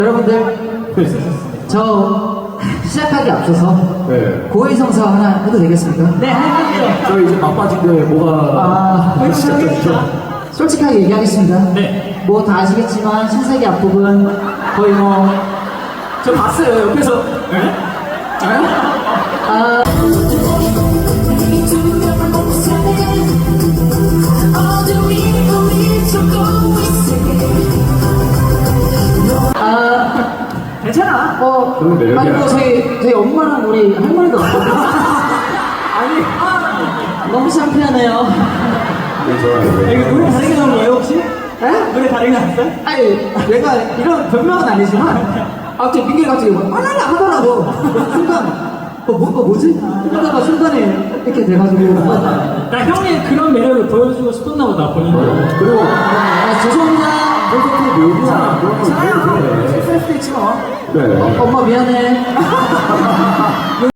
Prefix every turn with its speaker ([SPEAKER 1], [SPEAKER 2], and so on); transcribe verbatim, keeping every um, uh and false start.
[SPEAKER 1] 여러분들, 저 시작하기 앞서서
[SPEAKER 2] 네.
[SPEAKER 1] 고해성사 하나 해도 되겠습니까?
[SPEAKER 3] 네, 하죠.
[SPEAKER 2] 저 이제 막바지인데 뭐가
[SPEAKER 1] 아,
[SPEAKER 2] 시작됐죠?
[SPEAKER 1] 솔직하게 얘기하겠습니다.
[SPEAKER 3] 네.
[SPEAKER 1] 뭐 다 아시겠지만 신세계 앞부분 거의 뭐
[SPEAKER 3] 저 봤어요, 옆에서. 네?
[SPEAKER 1] 아, 아,
[SPEAKER 3] 괜찮아.
[SPEAKER 1] 어,
[SPEAKER 2] 그건 매력이야.
[SPEAKER 1] 아니 뭐 저희 저희 엄마랑 우리 할머니도 왔거든요.
[SPEAKER 3] 아니,
[SPEAKER 1] 너무 창피하네요.
[SPEAKER 2] 네, 좋아요.
[SPEAKER 3] 이거 노래 다르게 나온 거예요, 혹시?
[SPEAKER 1] 에?
[SPEAKER 3] 노래 다르게 나왔어요?
[SPEAKER 1] 아니 내가 이런 변명은 아니지만 갑자기 민규이 갑자기 막 아라라 하더라고. 순간 어 뭔가 뭐지? 이러다가 순간에 이렇게 돼가지고
[SPEAKER 3] 나 형의 그런 매력을 보여주고 싶었나 보다, 본인도.
[SPEAKER 2] 그리고
[SPEAKER 1] 아 죄송합니다.
[SPEAKER 2] 콘서트 묘미야 그런 거
[SPEAKER 1] 괜찮아요.
[SPEAKER 2] 그래.
[SPEAKER 1] 실수할 수도 있지 뭐.
[SPEAKER 2] 그래.
[SPEAKER 1] 엄마 미안해.